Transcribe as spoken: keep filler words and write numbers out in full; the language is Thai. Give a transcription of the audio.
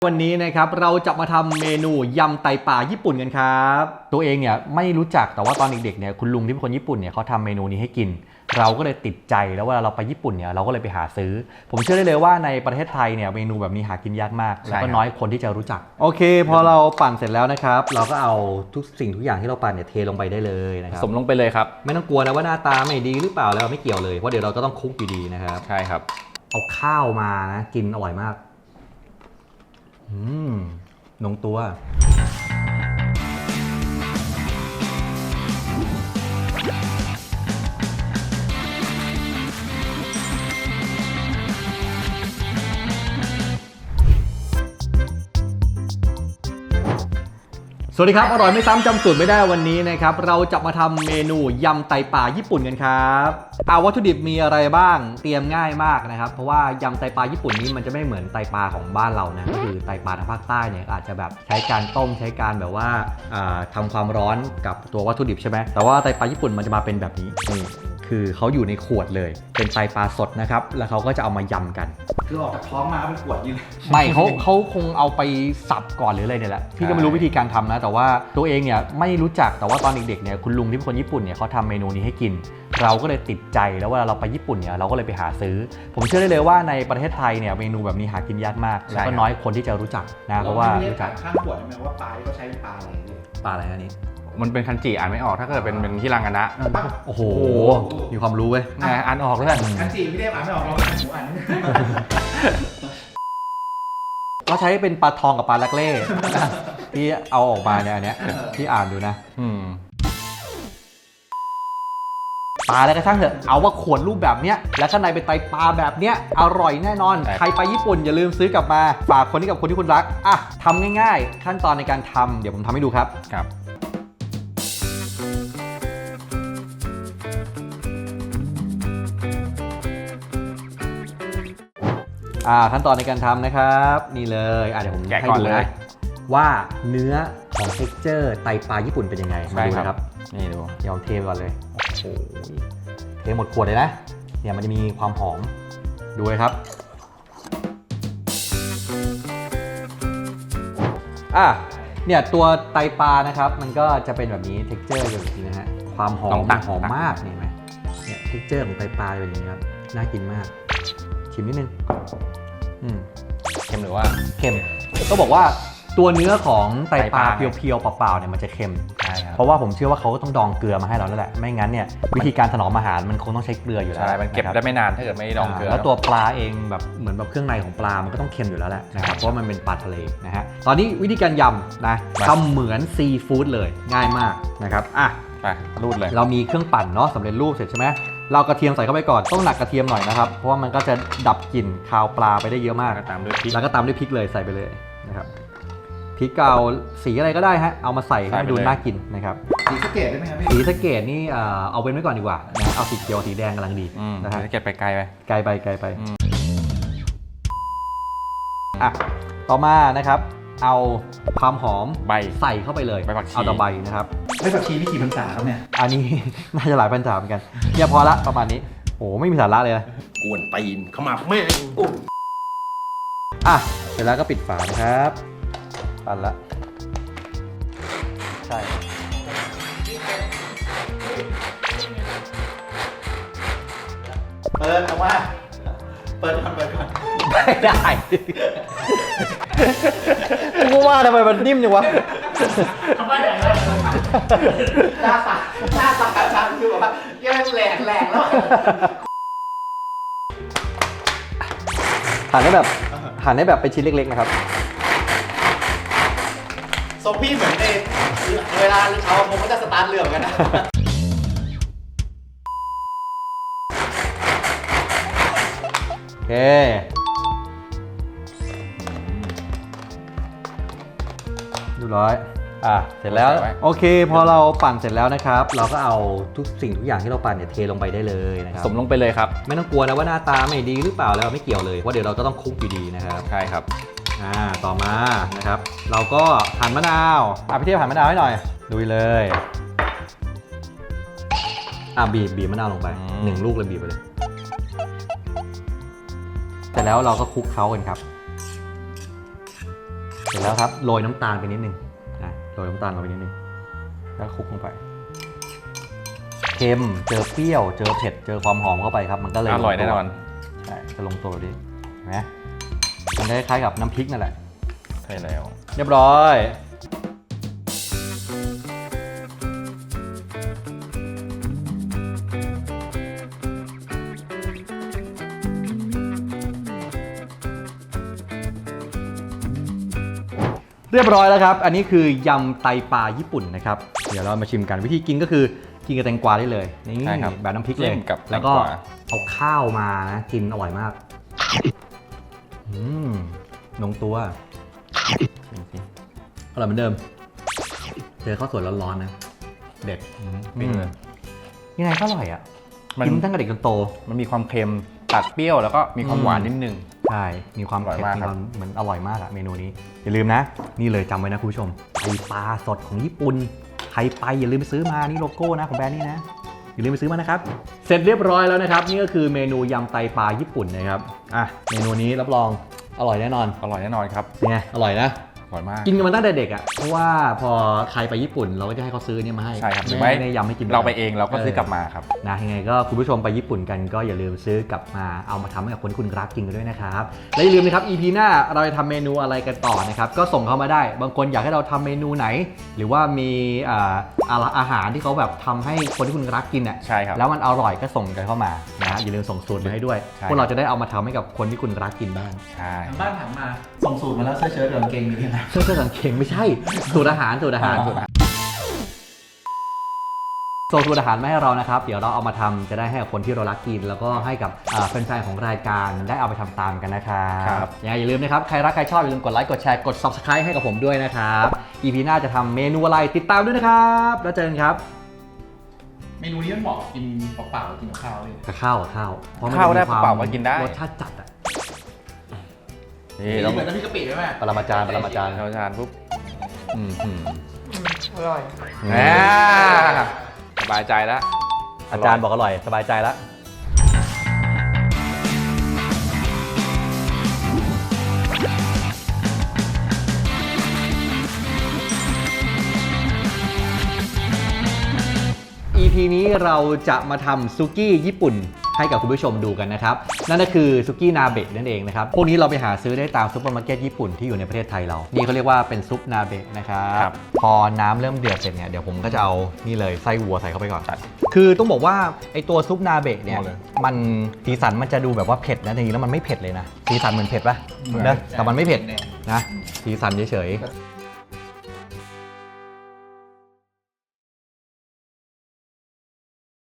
วันนี้นะครับเราจะมาทำเมนูยำไตปลาญี่ปุ่นกันครับตัวเองเนี่ยไม่รู้จักแต่ว่าตอนเด็กๆเนี่ยคุณลุงที่เป็นคนญี่ปุ่นเนี่ยเขาทำเมนูนี้ให้กินเราก็เลยติดใจแล้วเวลาเราไปญี่ปุ่นเนี่ยเราก็เลยไปหาซื้อผมเชื่อได้เลยว่าในประเทศไทยเนี่ยเมนูแบบนี้หากินยากมากแล้วก็น้อยคนที่จะรู้จักโอเคพอเราปั่นเสร็จแล้วนะครับเราก็เอาทุกสิ่งทุกอย่างที่เราปั่นเนี่ยเทลงไปได้เลยนะครับสมลงไปเลยครับไม่ต้องกลัวนะว่าหน้าตาไม่ดีหรือเปล่าแล้วไม่เกี่ยวเลยเพราะเดี๋ยวเราก็ต้องคลุกอยู่ดีนะครับใช่ครับเอาข้าวมานะกินอร่อยมากอืมลงตัวสวัสดีครับอร่อยไม่ซ้ำจำสูตรไม่ได้วันนี้นะครับเราจะมาทำเมนูยำไตปลาญี่ปุ่นกันครับเอาวัตถุดิบมีอะไรบ้างเตรียมง่ายมากนะครับเพราะว่ายำไตปลาญี่ปุ่นนี้มันจะไม่เหมือนไตปลาของบ้านเรานะก็คือไตปลาทางภาคใต้เนี่ยอาจจะแบบใช้การต้มใช้การแบบว่าทำความร้อนกับตัววัตถุดิบใช่ไหมแต่ว่าไตปลาญี่ปุ่นมันจะมาเป็นแบบนี้นี่คือเขาอยู่ในขวดเลยเป็นไตปลาสดนะครับแล้วเขาก็จะเอามายำกันคือออกจากท้องมาเป็นขวดยืนไม่เขาเขาคงเอาไปสับก่อนหรืออะไรเนี่ยแหละพี่ก็ไม่รู้วิธีการทำนะแต่ว่าตัวเองเนี่ยไม่รู้จักแต่ว่าตอนเด็กๆเนี่ยคุณลุงที่เป็นคนญี่ปุ่นเนี่ยเขาทำเมนูนี้ให้กินเราก็เลยติดใจแล้วเวลาเราไปญี่ปุ่นเนี่ยเราก็เลยไปหาซื้อผมเชื่อได้เลยว่าในประเทศไทยเนี่ยเมนูแบบนี้หากินยากมากแล้วก็น้อยคนที่จะรู้จักนะเพราะว่ารู้จักข้างขวดใช่ไหมว่าปลาที่เขาใช้ปลาอะไรเนี่ยปลาอะไรอันนี้มันเป็นคันจิอ่านไม่ออกถ้าเกิดเป็นเป็นที่รังกันนะโอ้โหมีความรู้เว้ยอ่านออกด้วยคันจิพี่เทพอ่านไม่ออกเราอ่านหมูอ่านก็ใช้เป็นปลาทองกับปลาลักเล่ที่เอาออกมาเนี่ยอันเนี้ยที่อ่านดูนะปลาอะไรก็ช่างเถอะเอาว่าขวดรูปแบบเนี้ยแล้วข้างในเป็นไตปลาแบบเนี้ยอร่อยแน่นอนใครไปญี่ปุ่นอย่าลืมซื้อกลับมาฝากคนนี้กับคนที่คุณรักอ่ะทำง่ายๆขั้นตอนในการทำเดี๋ยวผมทำให้ดูครับครับอ่าขั้นตอนในการทำนะครับนี่เลยอ่ะเดี๋ยวผมให้ดูนะว่าเนื้อของ texture ไตปลาญี่ปุ่นเป็นยังไงมาดูนะครับนี่ดูเดี๋ยวเทก่อนเลยโอ้โหเทหมดขวดเลยนะเนี่ยมันจะมีความหอมดูเลยครับอ่ะเนี่ยตัวไตปลานะครับมันก็จะเป็นแบบนี้ texture อย่างนี้นะฮะความหอมหอมมากนี่ไหมเนี่ย texture ของไตปลาเป็นอย่างนี้ครับน่ากินมากชิมนิดนึงอืมเค็มหรือว่าเค็มก็บอกว่าตัวเนื้อของไตปลาเพียวๆเปล่าๆเนี่ยมันจะเค็มใช่ครับเพราะว่าผมเชื่อว่าเขาก็ต้องดองเกลือมาให้เราแล้วแหละไม่งั้นเนี่ยวิธีการถนอมอาหารมันคงต้องใช้เกลืออยู่แล้วใช่มันเก็บได้ไม่นานถ้าเกิดไม่ดองเกลือแล้วตัวปลาเองแบบเหมือนแบบเครื่องในของปลามันก็ต้องเค็มอยู่แล้วแหละนะครับเพราะมันเป็นปลาทะเลนะฮะตอนนี้วิธีการยำนะทำเหมือนซีฟู้ดเลยง่ายมากนะครับอ่ะไปรูดเลยเรามีเครื่องปั่นเนาะสำเร็จรูปเสร็จใช่ไหมเรากระเทียมใส่เข้าไปก่อนต้องหนักกระเทียมหน่อยนะครับเพราะว่ามันก็จะดับกลิ่นคาวปลาไปได้เยอะมากตามด้วยพริกแล้วก็ตามด้วยพริกเลยใส่ไปเลยนะครับพริกเกาสีอะไรก็ได้ฮะเอามาใส่ให้ดูน่ากินนะครับสีสะเกดได้ไหมครับพี่สีสะเกดนี่เอาเป็นไว้ก่อนดีกว่านะเอาสีเขียวสีแดงกำลังดีนะฮะสีสะเกดไปไกลไปไกลไปไกลไปอ่ะต่อมานะครับเอาความหอมใบใส่เข้าไปเลยเอาตะไบนะครับใบผักชีนี่กี่พรรษาครับเนี่ยอันนี้น่าจะหลายพรรษาเหมือนกันเนี่ยพอละประมาณนี้โอ้ไม่มีสาระเลยนะกวนตีนขมับแม่อ่ะเสร็จแล้วก็ปิดฝานะครับปั่นละใช่เปิดออกมาเปิดก่อนเปิดก่อนไม่ได้กูว่าทำไมมันนิ่มจังวะทำไมอย่างนั้นหน้าตาหน้าตาชาคือแบบว่ายังแหลกแหลกแล้วหั่นได้แบบหั่นได้แบบเป็นชิ้นเล็กๆนะครับซอมบี้เหมือนในเวลาชาวผมก็จะสตาร์ทเรือเหมือนกันนะโอเคดูร้อยอ่ะเสร็จแล้วโอเคพอเราปั่นเสร็จแล้วนะครับเราก็เอาทุกสิ่งทุกอย่างที่เราปั่นเนี่ยเทลงไปได้เลยนะครับสมลงไปเลยครับไม่ต้องกลัวนะว่าหน้าตาไม่ดีหรือเปล่าแล้วไม่เกี่ยวเลยเพราะเดี๋ยวเราก็ต้องคลุกอยู่ดีนะครับใช่ครับอ่าต่อมานะครับเราก็หั่นมะนาวอ่ะพี่เทพหั่นมะนาวให้หน่อยดูเลยอ่ะบีบบีบมะนาวลงไปหนึ่งลูกเลยบีบไปเลยเสร็จแล้วเราก็คลุกเคล้ากันครับเสร็จแล้วครับโรยน้ำตาลไปนิดนึงอ่ะโรยน้ำตาลลงไปนิดนึงแล้วคลุกลงไปเค็มเจอเปรี้ยวเจอเผ็ดเจอความหอมเข้าไปครับมันก็เลยอร่อยแน่นอนใช่จะลงตัวแบบนี้เห็นไหมมันได้คล้ายกับน้ำพริกนั่นแหละใช่แล้วเรียบร้อยเรียบร้อยแล้วครับอันนี้คือยำไตปลาญี่ปุ่นนะครับเดี๋ยวเรามาชิมกันวิธีกินก็คือกินกับแตงกวาได้เลยนี่ใช่ครับแบบน้ำพริกเลยจิ้มกับแล้วก็แตงกวาเอาข้าวมานะกินอร่อยมากอืมลงตัวชิมสิอร่อยเหมือนเดิมเจอข้าวสวยร้อนๆนะเด็ดปิ้งเลยยังไงก็อร่อยอ่ะมันกินตั้งแต่เด็กจนโตมันมีความเค็มตัดเปรี้ยวแล้วก็มีความหวานนิดนึงใช่มีความอร่อยเผ็ดมากมีครัคบวามเหมือนอร่อยมากอะเมนูนี้อย่าลืมนะ นี่เลยจำไว้นะคุณผู้ชมไตปลาสดของญี่ปุ่นใครไปอย่าลืมไปซื้อมานี่โลโก้นะของแบรนด์นี้นะอย่าลืมไปซื้อมานะครับเสร็จเรียบร้อยแล้วนะครับนี่ก็คือเมนูยำไตปลาญี่ปุ่นนะครับอ่ะเมนูนี้รับรองอร่อยแน่นอนอร่อยแน่นอนครับเป็นไงอร่อยนะอร่อยมากกินกันมาตั้งแต่เด็กอ่ะเพราะว่าพอใครไปญี่ปุ่นเราก็จะให้เขาซื้อเนี่ยมาให้ใช่ครับหรือไม่ไม่ได้ยำให้กินเราไปเองเราก็ซื้อกลับมาครับนะยังไงก็คุณผู้ชมไปญี่ปุ่นกันก็อย่าลืมซื้อกลับมาเอามาทำให้กับคนที่คุณรักกินกันด้วยนะครับและอย่าลืมนะครับ อี พี หน้าเราจะทำเมนูอะไรกันต่อนะครับก็ส่งเข้ามาได้บางคนอยากให้เราทำเมนูไหน หรือว่ามีอ่าอาหารที่เขาแบบทำให้คนที่คุณรักกินอ่ะใช่ครับแล้วมันอร่อยก็ส่งกันเข้ามานะอย่าลืมส่งสูตรมาให้ด้วยใช่พวกเราจะได้เอามาทำให้กับคนที่คุณรักกินบ้างใช่ทางบ้านถามมาส่งสูตรมาแล้วเสื้อเชิ้ตกับกางเกงมีที่ไหนเสื้อเสื้อสังเกงไม่ใช่สูตรอาหารสูตรอาหารอ๋อสูตรอาหารส่งสูตรอาหารมาให้เรานะครับเดี๋ยวเราเอามาทำจะได้ให้กับคนที่เรารักกิน แล้วก็ให้กับอ่าแฟนๆของรายการได้เอาไปทำตามกันนะครับยังไงอย่าลืมนะครับใครรักใครชอบอย่าลืมกดไลค์กดแชร์กด ซับสไครบ์ ให้กับผมด้วยนะครับ อี พี หน้าจะทำเมนูอะไรติดตามด้วยนะครับแล้วเจอกันครับเมนูนี้มันเหมาะกินเปล่าๆกินกับข้าวเลยกับข้าวกับข้าวเพราะมันข้าวได้จะมีควมเปล่าๆก็กินได้รสชาติจัดอะนี่นี่เราเหมือนน้ำพริกกะปิไหมแม่ปรมาจารย์ปรมาจารย์เราทานปุ๊บอืมอืมอร่อยอ่าสบายใจแล้วอาจารย์บอกอร่อยสบายใจแล้ว อี พี นี้เราจะมาทำซุกี้ญี่ปุ่นให้กับคุณผู้ชมดูกันนะครับนั่นก็คือซุกี้นาเบะนั่นเองนะครับพวกนี้เราไปหาซื้อได้ตามซุปเปอร์มาร์เก็ตญี่ปุ่นที่อยู่ในประเทศไทยเรานี่เขาเรียกว่าเป็นซุปนาเบะนะครับพอน้ำเริ่มเดือดเสร็จเนี่ยเดี๋ยวผมก็จะเอานี่เลยไส้วัวใส่เข้าไปก่อนคือต้องบอกว่าไอตัวซุปนาเบะเนี่ยมันสีสันมันจะดูแบบว่าเผ็ดนะจริงๆแล้วมันไม่เผ็ดเลยนะสีสันเหมือนเผ็ดปะนะแต่มันไม่เผ็ดนะสีสันเฉยๆ